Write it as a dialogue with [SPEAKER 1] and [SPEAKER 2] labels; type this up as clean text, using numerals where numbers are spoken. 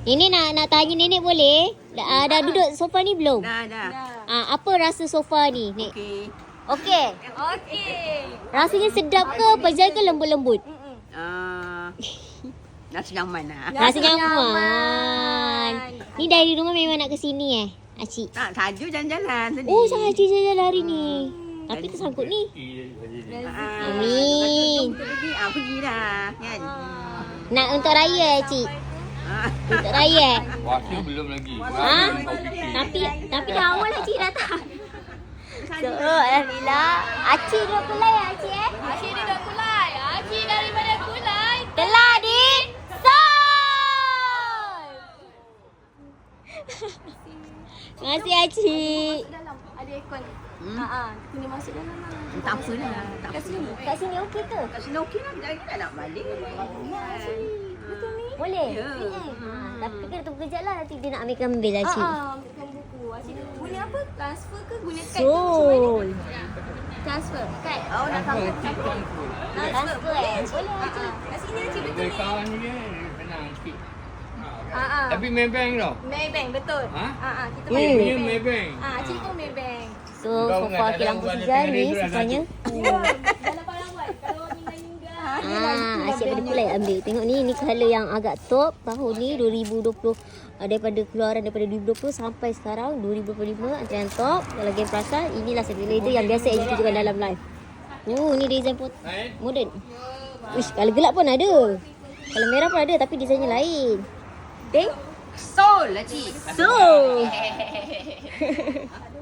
[SPEAKER 1] Nenek nak tanya nenek boleh? Dah duduk sofa ni belum?
[SPEAKER 2] Dah.
[SPEAKER 1] Apa rasa sofa ni, Nek?
[SPEAKER 2] Okey.
[SPEAKER 1] Okey.
[SPEAKER 3] Okey.
[SPEAKER 1] Rasanya sedap ke, pejal ke, lembut-lembut?
[SPEAKER 2] Rasa nyaman lah.
[SPEAKER 1] Rasa nyaman. Ni dari rumah memang nak ke sini Acik?
[SPEAKER 2] Tak, saja jalan-jalan tadi.
[SPEAKER 1] Oh, sahaja jalan hari ni. Tapi tersangkut ni. Amin.
[SPEAKER 2] Kita pergilah kan.
[SPEAKER 1] Nak untuk raya Cik? Untuk raya
[SPEAKER 4] Puasa belum lagi.
[SPEAKER 1] Tapi dah awal lah Cik datang. So, Alhamdulillah. Acik duduk kulai Acik
[SPEAKER 3] Acik dia dah kulai. Acik daripada kulai.
[SPEAKER 1] Telah di Sol. Terima kasih Acik.
[SPEAKER 3] Dalam ada aircon. Kena masuk dalam lah.
[SPEAKER 2] Tak apa lah. Tak apa.
[SPEAKER 1] Kat sini okey ke?
[SPEAKER 2] Kat sini okey lah. Jangan nak balik.
[SPEAKER 3] Betul ni?
[SPEAKER 1] Boleh?
[SPEAKER 2] Ya.
[SPEAKER 1] Tapi kena tunggu kejap lah. Nanti dia nak ambil Acik.
[SPEAKER 3] Ambilkan buku. Acik guna apa? Transfer ke guna kad?
[SPEAKER 1] Sol.
[SPEAKER 3] Transfer. Kad.
[SPEAKER 2] Oh, nak tahu.
[SPEAKER 1] Transfer Boleh Acik.
[SPEAKER 3] Kat sini Acik betul
[SPEAKER 4] Dari
[SPEAKER 3] ni?
[SPEAKER 4] kawan ni senang sikit.
[SPEAKER 3] Ah.
[SPEAKER 4] Tapi Maybank tau.
[SPEAKER 3] Maybank betul.
[SPEAKER 4] Ha?
[SPEAKER 3] Kita
[SPEAKER 4] Dia
[SPEAKER 3] pakai
[SPEAKER 4] punya
[SPEAKER 3] Maybank.
[SPEAKER 4] Maybank.
[SPEAKER 3] Acik pun Maybank.
[SPEAKER 1] So,
[SPEAKER 4] Kau
[SPEAKER 1] sofa
[SPEAKER 4] ingat tak
[SPEAKER 1] kilang
[SPEAKER 4] tahu ada
[SPEAKER 1] Sijal
[SPEAKER 4] tengah
[SPEAKER 1] ni
[SPEAKER 4] dia tu dah
[SPEAKER 1] sofanya.
[SPEAKER 3] Ya, dalam perawat. Kalau minggah-minggah.
[SPEAKER 1] Asyik pada pulai ambil. Tengok ni colour yang agak top tahun ni 2020. Daripada keluaran daripada 2020 sampai sekarang 2025 antara yang top. Kalau game perasan, inilah satu leader yang biasa yang tunjukkan dalam live. Ni design modern. Uish, kalau gelap pun ada. Kalau merah pun ada tapi desainnya lain. Teng?
[SPEAKER 2] Sol lah cik.
[SPEAKER 1] So.